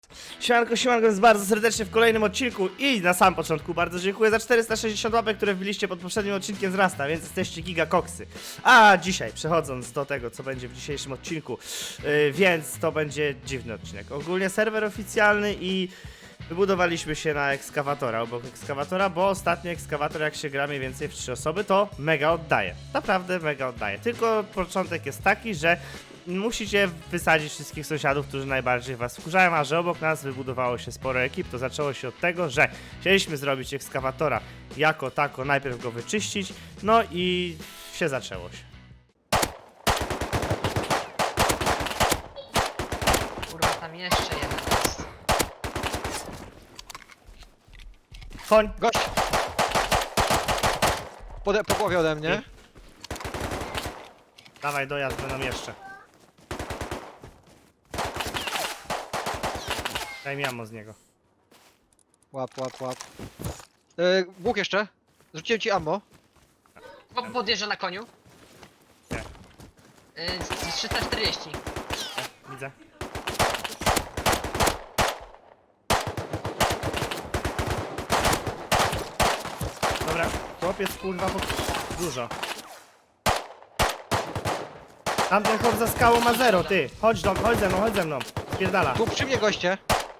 Siemanko, jest bardzo serdecznie w kolejnym odcinku i na samym początku bardzo dziękuję za 460 łapek, które wbiliście pod poprzednim odcinkiem z Rasta, więc jesteście gigakoksy. A dzisiaj, przechodząc do tego, co będzie w dzisiejszym odcinku, więc to będzie dziwny odcinek. Ogólnie serwer oficjalny i wybudowaliśmy się na ekskawatora, obok ekskawatora, bo ostatni ekskawator, jak się gra mniej więcej w 3 osoby, to mega oddaje. Naprawdę mega oddaje. Tylko początek jest taki, że musicie wysadzić wszystkich sąsiadów, którzy najbardziej was wkurzają, a że obok nas wybudowało się sporo ekip, to zaczęło się od tego, że chcieliśmy zrobić ekskawatora jako tako, najpierw go wyczyścić, no i się zaczęło się. Kurwa, tam jeszcze jeden jest. Koń! Gość! Po głowie ode mnie. Dawaj dojazd, będą jeszcze. Daj mi ammo z niego. Łap. Łuk jeszcze. Rzuciłem ci ammo. Podjeżdża na koniu. Nie. 340. Widzę. Dobra, chłopiec kurwa, bo dużo. Tamten chłop za skałą ma 0, ty. Chodź ze mną. Spierdala. Tu przy mnie goście.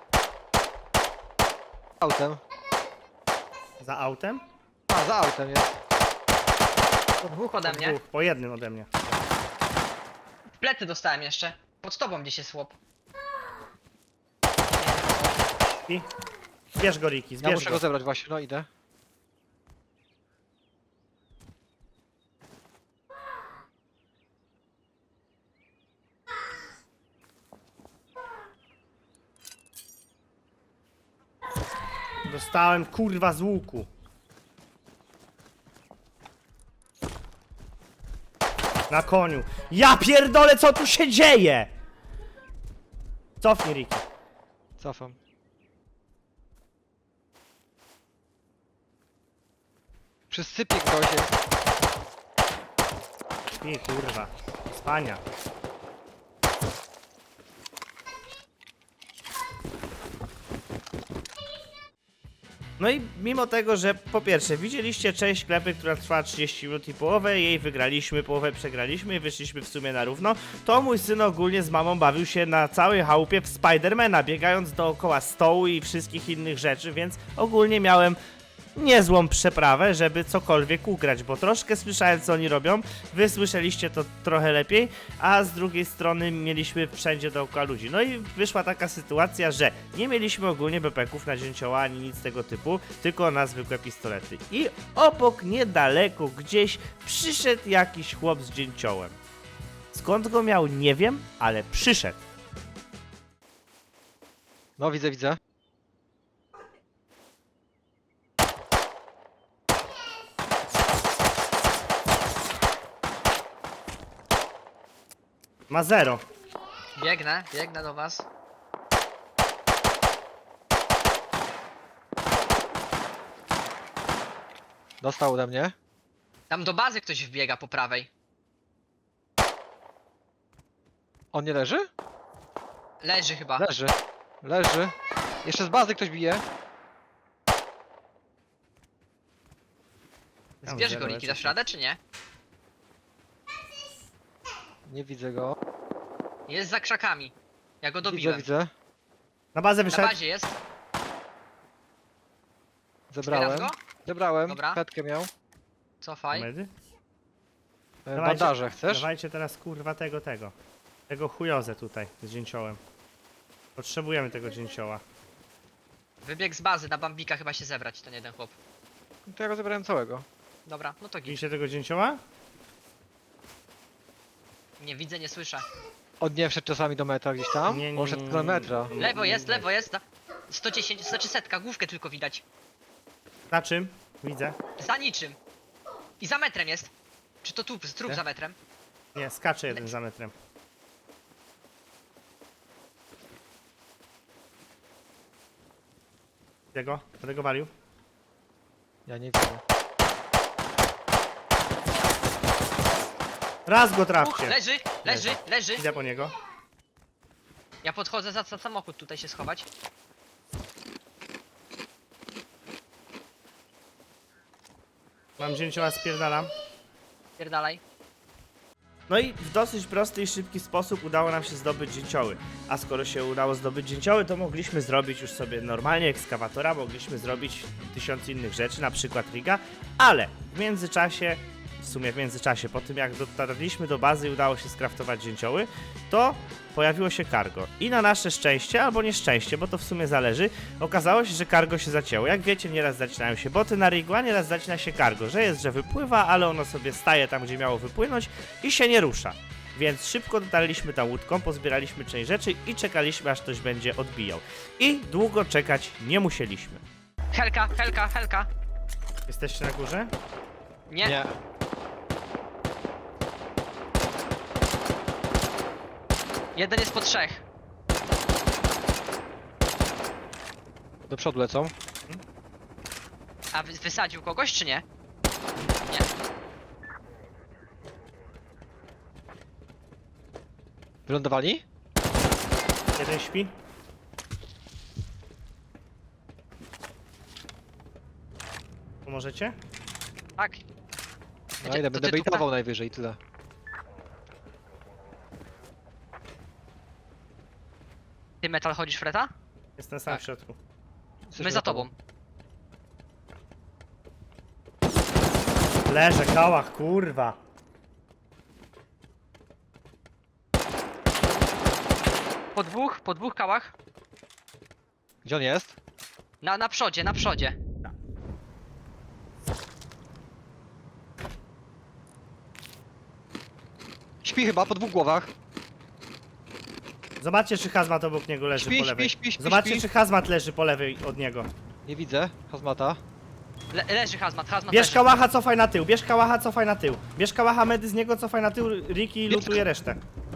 Autem. Za autem? A, za autem jest. Dwóch ode mnie. Dwóch, po jednym ode mnie. W plecy dostałem jeszcze. Pod tobą gdzieś jest chłop. I zbierz go, Riki, Ja zbierz muszę go. go zebrać właśnie, no idę. Dostałem kurwa z łuku. Na koniu. Ja pierdolę, co tu się dzieje? Cofnij, Riki. Cofam. Przy sypie ktoś jest. I kurwa. Spania. No i mimo tego, że po pierwsze widzieliście część sklepy, która trwa 30 minut i połowę, jej wygraliśmy, połowę przegraliśmy i wyszliśmy w sumie na równo, to mój syn ogólnie z mamą bawił się na całej chałupie w Spidermana, biegając dookoła stołu i wszystkich innych rzeczy, więc ogólnie miałem niezłą przeprawę, żeby cokolwiek ugrać, bo troszkę słyszałem, co oni robią, wy słyszeliście to trochę lepiej, a z drugiej strony mieliśmy wszędzie dookoła ludzi. No i wyszła taka sytuacja, że nie mieliśmy ogólnie bepeków na dzięcioła ani nic tego typu, tylko na zwykłe pistolety. I obok, niedaleko, gdzieś przyszedł jakiś chłop z dzięciołem. Skąd go miał, nie wiem, ale przyszedł. No widzę. Ma 0. Biegnę do was. Dostał ode mnie. Tam do bazy ktoś wbiega po prawej. On nie leży? Leży chyba. Leży. Jeszcze z bazy ktoś bije. Zbierz go, Riki, dasz radę czy nie? Nie widzę go. Jest za krzakami. Ja go dobiłem. Widzę. Na bazę Na wyszedł. bazie jest. Zebrałem. Zbieram go? Zebrałem. Dobra. Petkę miał. Cofaj. Medy? Bandaże chcesz? Dawajcie teraz kurwa tego. Tego chujozę tutaj z dzięciołem. Potrzebujemy tego dzięcioła. Wybieg z bazy, na bambika chyba się zebrać, ten jeden chłop. To ja go zebrałem całego. Dobra, no to git. Widzicie tego dzięcioła? Nie widzę, nie słyszę. On nie wszedł czasami do metra gdzieś tam? Nie, On szedł do metra. Lewo jest. 110, znaczy setka, główkę tylko widać. Na czym? Widzę. Za niczym. I za metrem jest. Czy to tu, trup Nie? za metrem? Nie, skacze jeden za metrem. Jego? Będę go walił. Ja nie widzę. Raz go trafcie. Leży. Idę po niego. Ja podchodzę za samochód tutaj się schować. Mam dzięcioła, spierdalam. Pierdalaj. No i w dosyć prosty i szybki sposób udało nam się zdobyć dzięcioły. A skoro się udało zdobyć dzięcioły, to mogliśmy zrobić już sobie normalnie ekskawatora, mogliśmy zrobić 1000 innych rzeczy, na przykład riga, ale w międzyczasie, po tym jak dotarliśmy do bazy i udało się skraftować dzięcioły, to pojawiło się cargo. I na nasze szczęście, albo nieszczęście, bo to w sumie zależy, okazało się, że cargo się zacięło. Jak wiecie, nieraz zacinają się boty na rigu, a nieraz zacina się cargo, że wypływa, ale ono sobie staje tam, gdzie miało wypłynąć i się nie rusza. Więc szybko dotarliśmy tam łódką, pozbieraliśmy część rzeczy i czekaliśmy, aż ktoś będzie odbijał. I długo czekać nie musieliśmy. Helka, helka, helka. Jesteście na górze? Nie. Nie. Jeden jest po 3. Do przodu lecą. A wysadził kogoś czy nie? Nie. Wylądowali? Jeden śpi? Pomożecie? Tak. No Gdzie- idę, to będę ty tu- baitował najwyżej, tyle. Ty metal chodzisz, Freta? Jestem sam Tak. w środku. Jesteśmy My za tobą. Leżę, kałach, kurwa. Po dwóch kałach. Gdzie on jest? Na przodzie, na przodzie. Śpi chyba, po 2 głowach. Zobaczcie, czy hazmat obok niego leży Śpi, po lewej. śpi, śpi, Zobaczcie, śpi. czy hazmat leży po lewej od niego. Nie widzę, hazmata. Leży hazmat, hazmat Bierz leży. kałacha, cofaj na tył. Bierz kałacha, cofaj na tył. Bierz kałacha, medy z niego, cofaj na tył. Ricky lutuje resztę.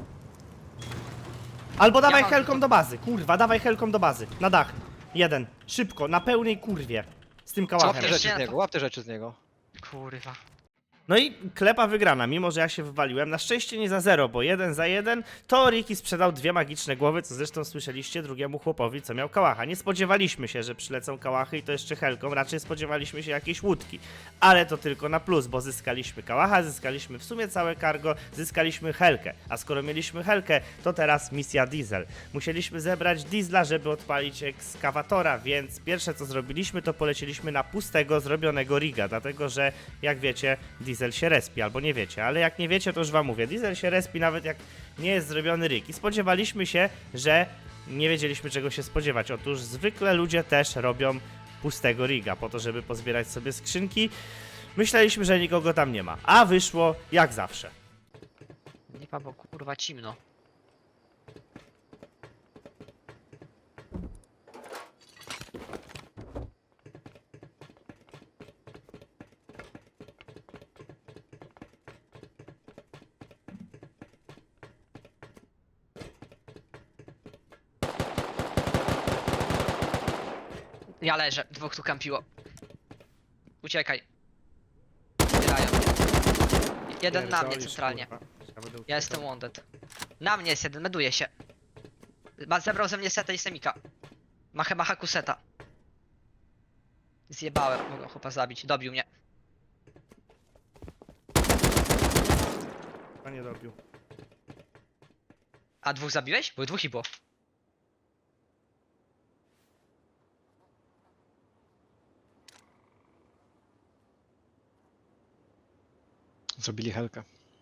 Albo dawaj mam helką tylko- do bazy. Kurwa, dawaj helką do bazy. Na dach. Jeden. Szybko, na pełnej kurwie. Z tym Łap kałachem. te rzeczy Ja z to- niego, łap te rzeczy z niego. Kurwa. No i klepa wygrana, mimo że ja się wywaliłem. Na szczęście nie za 0, bo 1 za 1 to Ricky sprzedał 2 magiczne głowy, co zresztą słyszeliście drugiemu chłopowi, co miał kałacha. Nie spodziewaliśmy się, że przylecą kałachy i to jeszcze helką, raczej spodziewaliśmy się jakiejś łódki. Ale to tylko na plus, bo zyskaliśmy kałacha, zyskaliśmy w sumie całe cargo, zyskaliśmy helkę. A skoro mieliśmy helkę, to teraz misja diesel. Musieliśmy zebrać diesla, żeby odpalić ekskawatora, więc pierwsze co zrobiliśmy, to polecieliśmy na pustego, zrobionego riga, dlatego że jak wiecie, diesel się respi, albo nie wiecie, ale jak nie wiecie, to już wam mówię, diesel się respi nawet jak nie jest zrobiony rig. I spodziewaliśmy się, że nie wiedzieliśmy czego się spodziewać. Otóż zwykle ludzie też robią pustego riga, po to, żeby pozbierać sobie skrzynki. Myśleliśmy, że nikogo tam nie ma, a wyszło jak zawsze. Lipa, bo kurwa cimno. Ja leżę, 2 tu kampiło. Uciekaj. Zbierają mnie. Jeden na mnie Pierdolisz, centralnie. kurwa. Ja będę Ja uciekał. jestem wounded. Na mnie jest jeden, meduje się. Zebrał ze mnie seta i semika. Macha kuseta. Zjebałem, mogę chłopa zabić, dobił mnie. A nie dobił. A 2 zabiłeś? Były 2 i było. Zrobili helkę.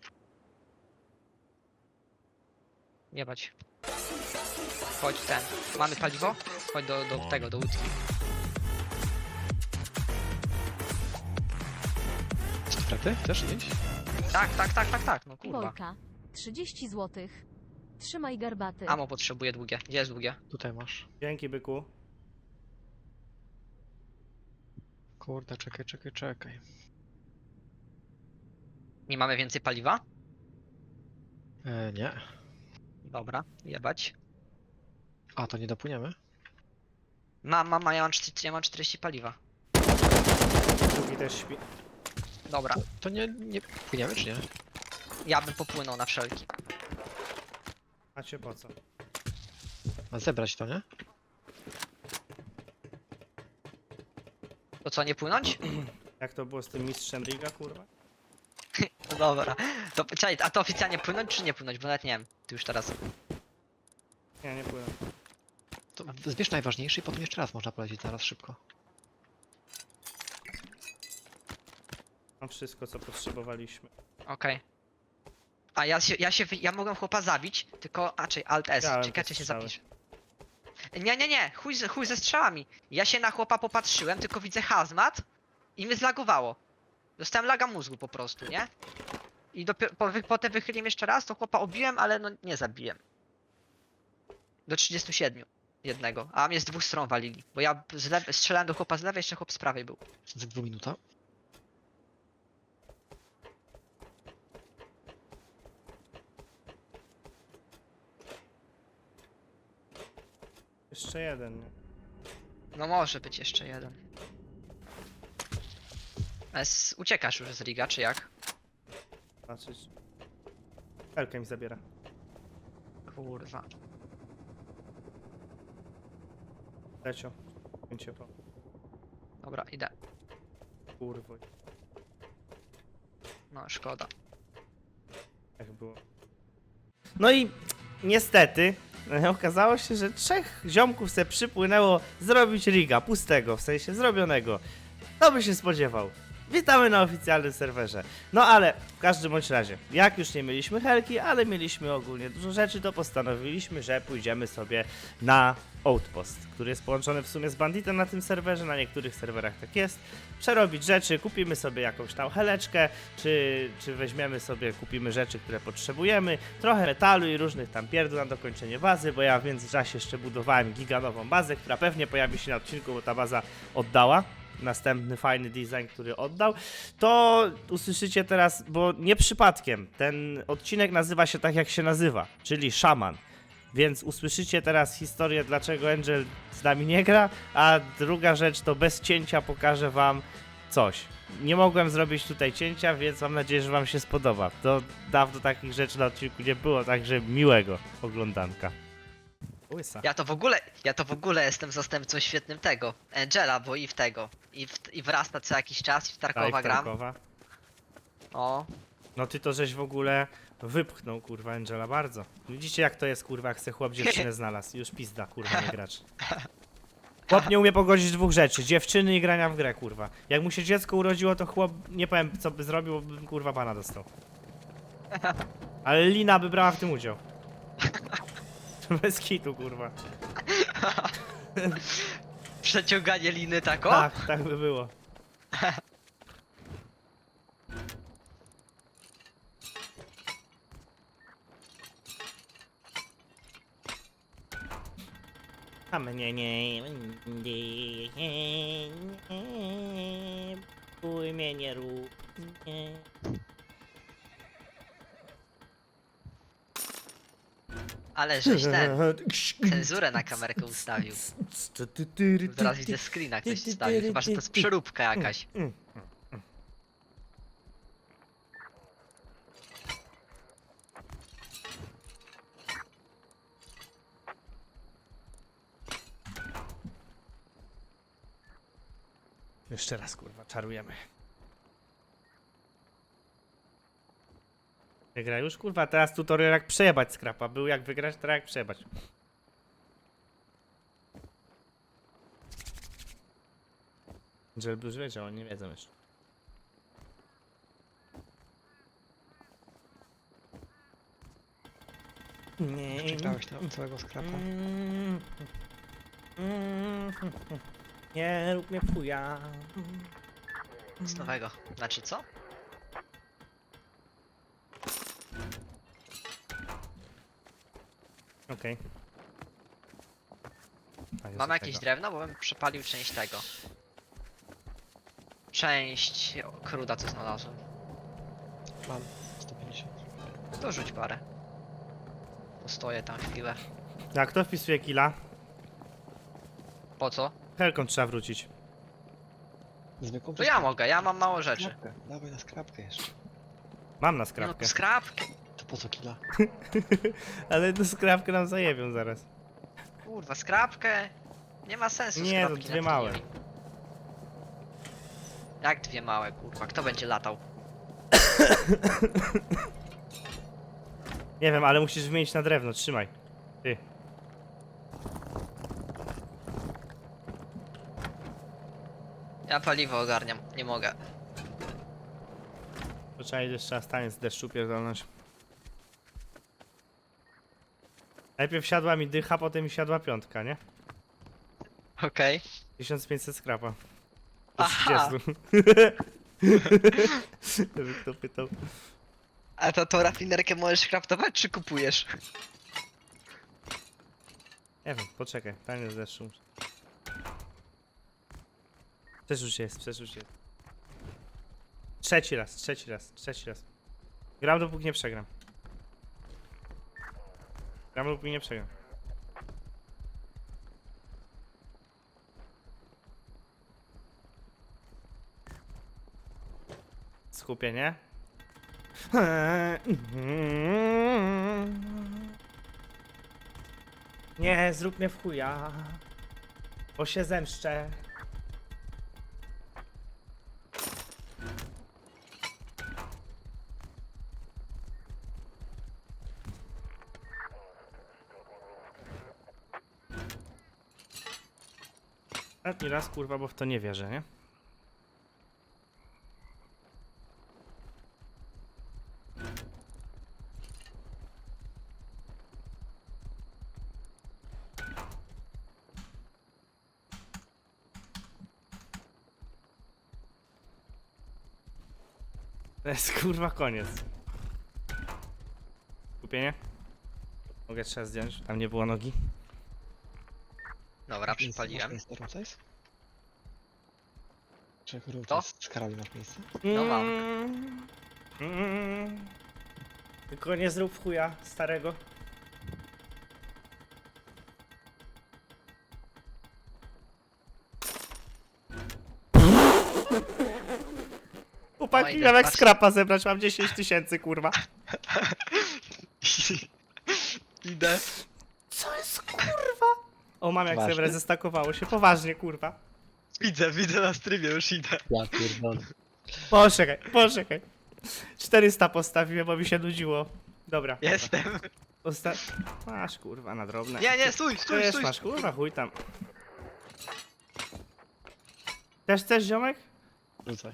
Jebać. Chodź ten. Mamy paliwo? Chodź do tego, do łódki. Strefy? Chcesz iść? Tak, no kurwa. Bolka. 30 zł. Trzymaj garbaty. Amo potrzebuję długie. Gdzie jest długie? Tutaj masz. Dzięki, byku. Kurde, czekaj. Nie mamy więcej paliwa? Nie. Dobra, jebać. A, to nie dopłyniemy? Ja mam 40 paliwa. Drugi też śpi. Dobra, To nie płyniemy, czy nie? ja bym popłynął na wszelki. Macie po co? A zebrać to, nie? To co, nie płynąć? Jak to było z tym mistrzem Riga, kurwa? No dobra. To, czekaj, a to oficjalnie płynąć czy nie płynąć? Bo nawet nie wiem. Ty już teraz. Nie, nie płynę. To zbierz najważniejszy i potem jeszcze raz można polecieć zaraz szybko. Mam wszystko, co potrzebowaliśmy. Okej. A ja mogłem chłopa zabić, tylko Alt S. Dałem Czekaj, te czy się strzały. zapisz. Nie, chuj ze strzałami. Ja się na chłopa popatrzyłem, tylko widzę hazmat i mnie zlagowało. Dostałem laga mózgu po prostu, nie? I dopiero potem wychyliłem jeszcze raz, to chłopa obiłem, ale no nie zabiłem. Do 37 jednego, a mnie z dwóch stron walili. Bo ja strzelałem do chłopa z lewej, jeszcze chłop z prawej był. Za 2 minuta. Jeszcze jeden, nie? No może być jeszcze jeden. Uciekasz już z Riga, czy jak? Patrzeć. Helkę mi zabiera. Kurwa. Lecio. Pięcie po. Dobra, idę. Kurwo. No, szkoda. Jak było. No i niestety okazało się, że 3 ziomków se przypłynęło zrobić riga pustego, w sensie zrobionego. Kto by się spodziewał? Witamy na oficjalnym serwerze. No ale w każdym bądź razie, jak już nie mieliśmy helki, ale mieliśmy ogólnie dużo rzeczy, to postanowiliśmy, że pójdziemy sobie na Outpost, który jest połączony w sumie z Banditem na tym serwerze, na niektórych serwerach tak jest. Przerobić rzeczy, kupimy sobie jakąś tam heleczkę, czy weźmiemy sobie, kupimy rzeczy, które potrzebujemy, trochę metalu i różnych tam pierdół na dokończenie bazy, bo ja w międzyczasie jeszcze budowałem giganową bazę, która pewnie pojawi się na odcinku, bo ta baza oddała. Następny fajny design, który oddał, to usłyszycie teraz, bo nie przypadkiem ten odcinek nazywa się tak jak się nazywa, czyli Szaman. Więc usłyszycie teraz historię, dlaczego Angel z nami nie gra, a druga rzecz to bez cięcia pokażę wam coś. Nie mogłem zrobić tutaj cięcia, więc mam nadzieję, że wam się spodoba. To dawno takich rzeczy na odcinku nie było, także miłego oglądanka. Łysa. Ja to w ogóle jestem zastępcą świetnym tego, Angela, bo i w tego, i w Rasta co jakiś czas, i w Tarkowa Tak, gram. Tarkowa. O, No ty to żeś w ogóle wypchnął, kurwa, Angela, bardzo. Widzicie jak to jest, kurwa, jak se chłop dziewczynę znalazł. Już pizda, kurwa, nie gracz. Chłop nie umie pogodzić 2 rzeczy, dziewczyny i grania w grę, kurwa. Jak mu się dziecko urodziło, to chłop, nie powiem co by zrobił, bo bym, kurwa, pana dostał. Ale Lina by brała w tym udział. Bez kitu, kurwa. przeciąganie liny tako? Tak, tak by było. A mnie nie bój mnie nie rób nie. Ale żeś cenzurę na kamerkę ustawił. Zaraz widzę screena ktoś wstawił, chyba że to jest przeróbka jakaś. Jeszcze raz, kurwa, czarujemy. Wygra już, kurwa, teraz tutorial jak przejebać skrapa. Był jak wygrać, teraz jak przejebać. Żeby już wiedział, oni nie wiedzą jeszcze. Nie. Przegrałeś tam całego skrapa. Nie rób mnie chuja. Z nowego. Znaczy co? Okej. Mam jakieś drewno, bo bym przepalił część tego. Część kruda, co znalazłem. Mam 150. To rzuć parę. Postoję tam chwilę. Jak kto wpisuje killa? Po co? Helką trzeba wrócić. Zwykłą To ja mogę, ja mam mało rzeczy. skrapkę. Dawaj na skrapkę jeszcze. Mam na No, skrawkę. skrapki. To po co killa? Ale tę skrawkę nam zajebią zaraz. Kurwa, skrapkę. Nie ma sensu Nie, to skrapki dwie na małe. premium. Jak dwie małe, kurwa? Kto będzie latał? Nie wiem, ale musisz wymienić na drewno, trzymaj. Ty. Ja paliwo ogarniam, nie mogę. To trzeba jeszcze trzeba stanie z deszczu pierdolnąć. Najpierw siadła mi dycha, potem mi siadła piątka, nie? Okej. 1500 skrapa. Do Aha. 30. Żeby kto pytał. A to rafinerkę możesz kraftować, czy kupujesz? Nie wiem, poczekaj, tanie z deszczu. Przeczuć jest, przeczuć jest. Trzeci raz. Gram dopóki nie przegram. Gram dopóki nie przegram. Skupienie. Nie, zrób mnie w chuja. Bo się zemszczę. Ostatni raz, kurwa, bo w to nie wierzę, nie? To jest kurwa koniec. Kupienie? Mogę trzeba zdjąć, tam nie było nogi. Dobra, przypaliłem. Miejsce, Roces? Czy kurwa To? z karabin masz miejsce? No mam. Tylko nie zrób chuja starego. Chłopaki, Oj, miałem jak patrz. skrapa zebrać, mam 10 000 kurwa. Idę. Co jest kurwa? O, mam jak Poważnie? zebrać, zestakowało się, poważnie kurwa. Widzę na streamie, już idę. Ja pierdolę. Poczekaj. 400 postawiłem, bo mi się nudziło. Dobra. Jestem. Masz kurwa na drobne. Nie, stój, To stój, jest, stój. masz kurwa, chuj tam. Też chcesz, ziomek? Rzucaj.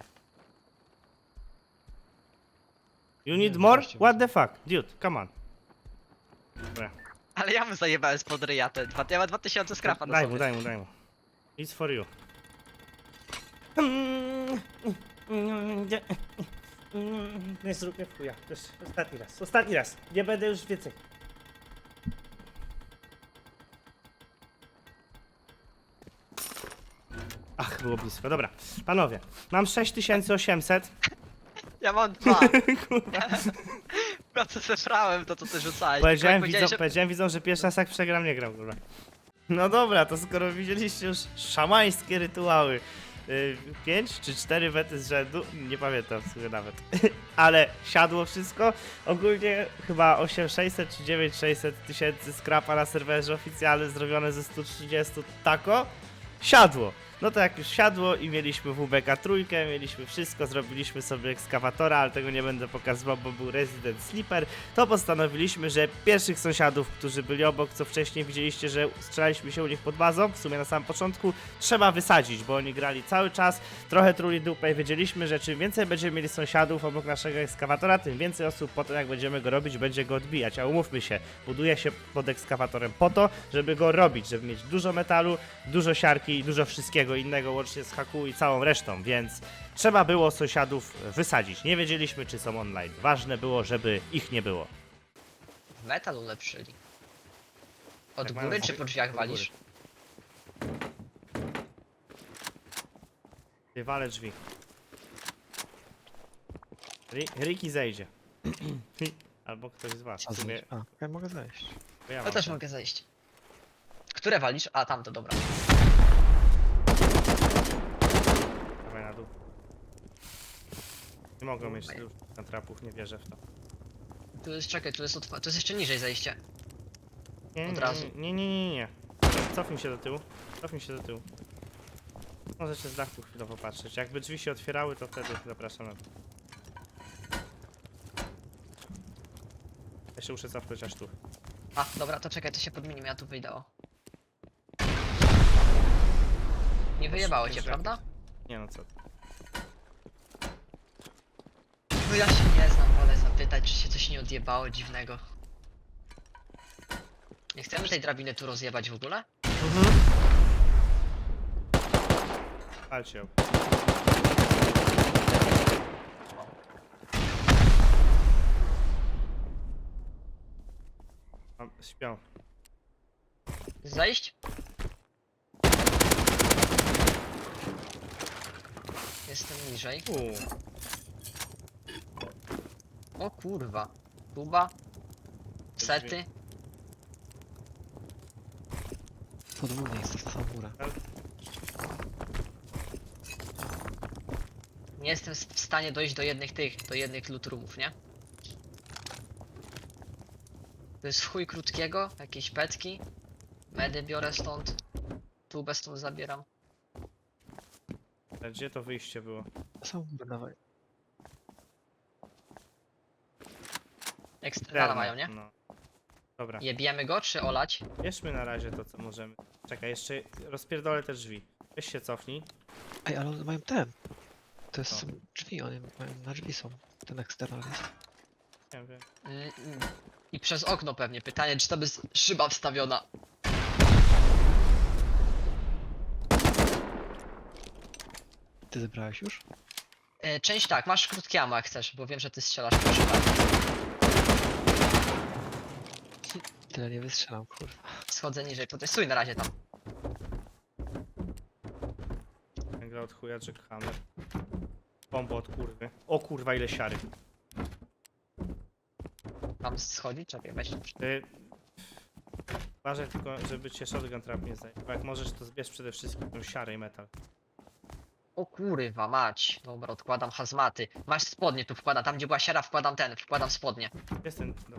You need Nie, more? wreszcie What the fuck? Dude, come on. Dobra. Ale ja mu zajebałem spod ryja te ja mam 2000 skrapa na sobie. Daj mu. It's for you. Nie zrób mnie w chuja. To jest ostatni raz. Nie będę już więcej. Ach, było blisko. Dobra, panowie, mam 6800. Ja mam 2. Kurwa. Ja co zebrałem, to ty rzucałeś. Powiedziałem, Tylko jak powiedziałem widzom, że pierwszy raz jak przegram, nie gram, kurwa. No dobra, to skoro widzieliście już szamańskie rytuały, 5 czy 4 wety z rzędu, nie pamiętam w sumie nawet, ale siadło wszystko, ogólnie chyba 8600 czy 9600 tysięcy skrapa na serwerze oficjalnym zrobione ze 130 tako, siadło. No to jak już siadło i mieliśmy WBK trójkę, mieliśmy wszystko, zrobiliśmy sobie ekskawatora, ale tego nie będę pokazywał, bo był Resident Sleeper, to postanowiliśmy, że pierwszych sąsiadów, którzy byli obok, co wcześniej widzieliście, że strzelaliśmy się u nich pod bazą, w sumie na samym początku, trzeba wysadzić, bo oni grali cały czas, trochę truli dupę i wiedzieliśmy, że czym więcej będziemy mieli sąsiadów obok naszego ekskawatora, tym więcej osób potem jak będziemy go robić, będzie go odbijać, a umówmy się, buduje się pod ekskawatorem po to, żeby go robić, żeby mieć dużo metalu, dużo siarki i dużo wszystkiego innego, łącznie z haku i całą resztą, więc trzeba było sąsiadów wysadzić. Nie wiedzieliśmy, czy są online. Ważne było, żeby ich nie było. Metal ulepszyli. Od Jak mają góry czy drzwi? po drzwiach Od góry. walisz? Wywalę drzwi. Ricky zejdzie. Albo ktoś z was. Co W sumie, zrobić? A, ja mogę zejść. to ja Ja mam też ten. mogę zejść. Które walisz? A, tamto, dobra. Dawaj na dół. Nie mogą mieć tylu trapów, nie wierzę w to. Tu jest, czekaj, tu jest jeszcze niżej zejście. Nie, Od nie, razu. Nie. Cofnij się do tyłu. Cofnij się do tyłu. Możecie z dachu chwilowo popatrzeć. Jakby drzwi się otwierały, to wtedy zapraszam na to. Ja się muszę cofnąć aż tu. A, dobra, to czekaj, to się podmienimy, ja tu wyjdę, o. Nie wyjebało cię, prawda? Nie no co. No ja się nie znam, wolę zapytać, czy się coś nie odjebało dziwnego. Nie chcemy tej drabiny tu rozjebać w ogóle? Palcie ją. Śpią. Zejść? Jestem niżej. O kurwa. Kuba. Sety. Podwójnie jest to samą górę. Nie jestem w stanie dojść do jednych loot roomów, nie? To jest w chuj krótkiego, jakieś petki. Medy biorę stąd. Tubę stąd zabieram. Gdzie to wyjście było? Samą górę dawaj. Eksternala mają, nie? No. Dobra. Jebiemy go, czy olać? Bierzmy na razie to, co możemy. Czekaj, jeszcze rozpierdolę te drzwi. Weź się cofnij. Ej, ale one mają ten. To jest Co? drzwi, one mają na drzwi są. Ten eksternal jest. Nie wiem. I przez okno pewnie. Pytanie, czy tam jest szyba wstawiona. Ty zebrałeś już? Część tak, masz krótkie ammo jak chcesz, bo wiem, że ty strzelasz po szybach. Tyle nie wystrzelam, kurwa. Schodzę niżej, protestuj na razie tam. Gra od chuja, Jackhammer. Bomba od kurwy. O kurwa, ile siary. Tam schodzi? Czekaj, weź. Ty... Uważaj tylko, żeby cię shotgun trap nie zajęł. Bo jak możesz, to zbierz przede wszystkim tą siarę i metal. O kurwa mać. Dobra, odkładam hazmaty. Masz spodnie, tu wkładam. Tam gdzie była siara wkładam spodnie. Jest ten... No.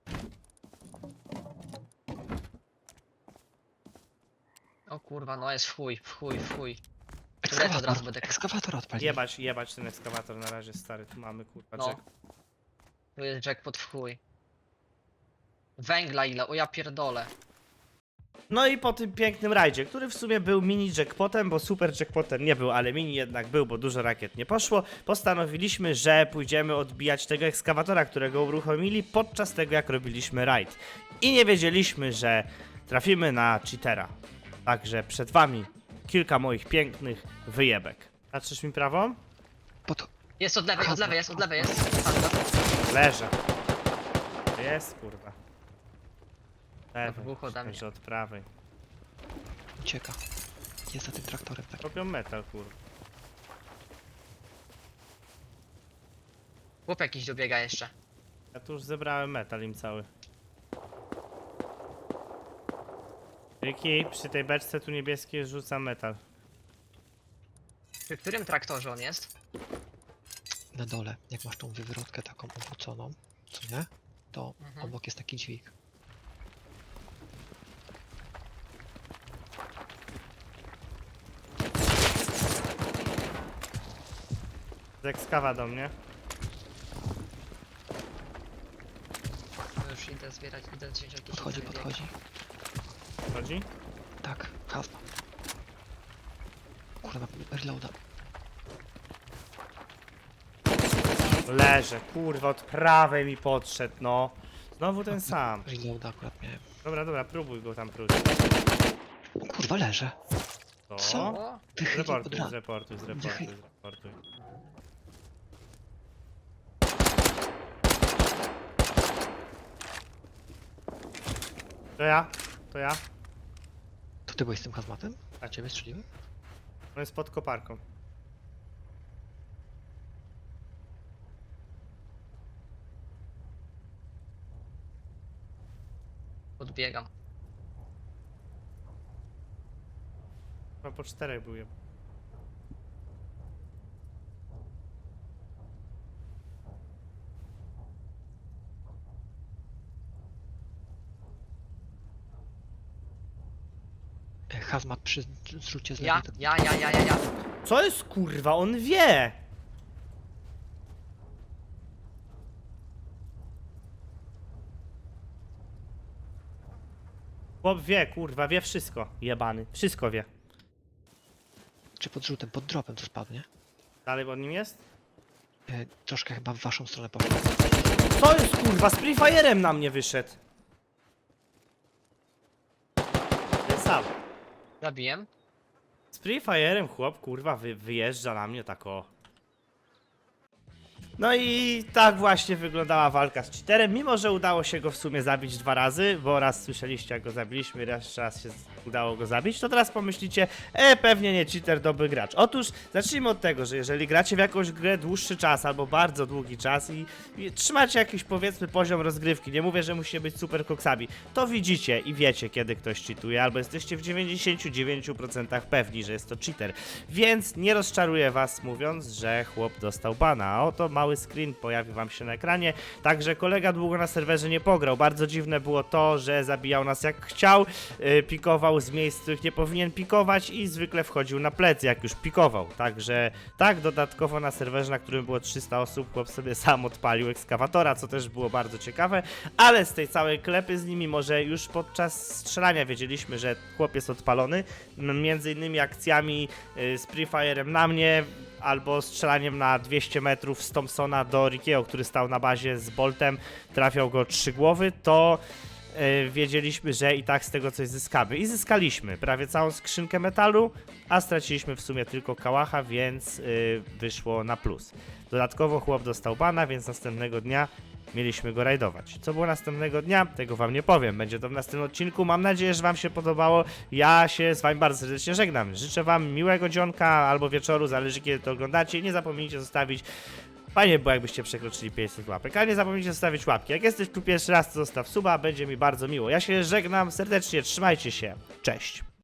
O kurwa, no jest w chuj, w chuj, w chuj. Turret od razu będę... Ekskawator odpalił. Jebać ten ekskawator na razie, stary. Tu mamy kurwa No. Jack. Tu jest jackpot w chuj. Węgla ile? O ja pierdolę. No i po tym pięknym rajdzie, który w sumie był mini jackpotem, bo super jackpotem nie był, ale mini jednak był, bo dużo rakiet nie poszło, postanowiliśmy, że pójdziemy odbijać tego ekskawatora, którego uruchomili podczas tego, jak robiliśmy rajd. I nie wiedzieliśmy, że trafimy na cheatera. Także przed wami kilka moich pięknych wyjebek. Patrzysz mi prawą? Pod... Jest od lewej jest. Leżę. Jest, kurwa. Lewej, dwóch ode mnie. że od prawej. Ucieka. Jest za tym traktorem tak. Robią metal, kurwa. Chłop jakiś dobiega jeszcze. Ja tu już zebrałem metal im cały. Ricky, przy tej beczce tu niebieskiej rzucam metal. Przy którym traktorze on jest? Na dole, jak masz tą wywrotkę taką obróconą, co nie? To Mhm. obok jest taki dźwig. Z ekskawa do mnie. No już idę zbierać, idę wziąć jakieś Podchodzi, itemy. podchodzi. Chodzi? Tak, hasma. Kurwa, reloada. Leżę, kurwa, od prawej mi podszedł, no. Znowu ten sam. Reloada akurat miałem. Dobra, próbuj go tam próć. O kurwa, leżę. To? Co? O, Wychylił od Zreportuj, razu. zreportuj. To ja. To ty byłeś z tym hazmatem? A Tak. ciebie strzeliły? On jest pod koparką. podbiegam. Chyba po 4 był jeb. hazmat przy zrzucie z Ja, lewej. ja. Co jest kurwa? On wie! Chłop wie, kurwa, wie wszystko. Jebany. Wszystko wie. Czy pod rzutem, pod dropem co spadł, nie? Dalej pod nim jest? Troszkę chyba w waszą stronę poszedł. Co jest kurwa? Z Free Fire'em na mnie wyszedł. Ten sam. Zabiłem. Z Free Fire'em chłop kurwa wyjeżdża na mnie tak o. No i tak właśnie wyglądała walka z cheaterem, mimo że udało się go w sumie zabić 2 razy, bo raz słyszeliście jak go zabiliśmy, raz się udało go zabić, to teraz pomyślicie, pewnie nie cheater, dobry gracz. Otóż zacznijmy od tego, że jeżeli gracie w jakąś grę dłuższy czas albo bardzo długi czas i trzymacie jakiś powiedzmy poziom rozgrywki, nie mówię, że musicie być super koksami, to widzicie i wiecie kiedy ktoś cheatuje, albo jesteście w 99% pewni, że jest to cheater, więc nie rozczaruję was mówiąc, że chłop dostał bana, a oto mały screen pojawi wam się na ekranie, także kolega długo na serwerze nie pograł, bardzo dziwne było to, że zabijał nas jak chciał, pikował z miejsc, w których nie powinien pikować i zwykle wchodził na plecy jak już pikował, także tak, dodatkowo na serwerze, na którym było 300 osób, chłop sobie sam odpalił ekskawatora, co też było bardzo ciekawe, ale z tej całej klepy z nimi może już podczas strzelania wiedzieliśmy, że chłop jest odpalony, między innymi akcjami z Free Fire'em na mnie, albo strzelaniem na 200 metrów z Thompsona do Rickiego, który stał na bazie z Boltem, trafiał go 3 głowy, to wiedzieliśmy, że i tak z tego coś zyskamy. I zyskaliśmy prawie całą skrzynkę metalu, a straciliśmy w sumie tylko kałacha, więc wyszło na plus. Dodatkowo chłop dostał bana, więc następnego dnia mieliśmy go rajdować. Co było następnego dnia? Tego wam nie powiem. Będzie to w następnym odcinku. Mam nadzieję, że wam się podobało. Ja się z wami bardzo serdecznie żegnam. Życzę wam miłego dzionka albo wieczoru, zależy kiedy to oglądacie. Nie zapomnijcie zostawić. Fajnie było jakbyście przekroczyli 500 łapek, a nie zapomnijcie zostawić łapki. Jak jesteś tu pierwszy raz, to zostaw suba, będzie mi bardzo miło. Ja się żegnam serdecznie, trzymajcie się. Cześć.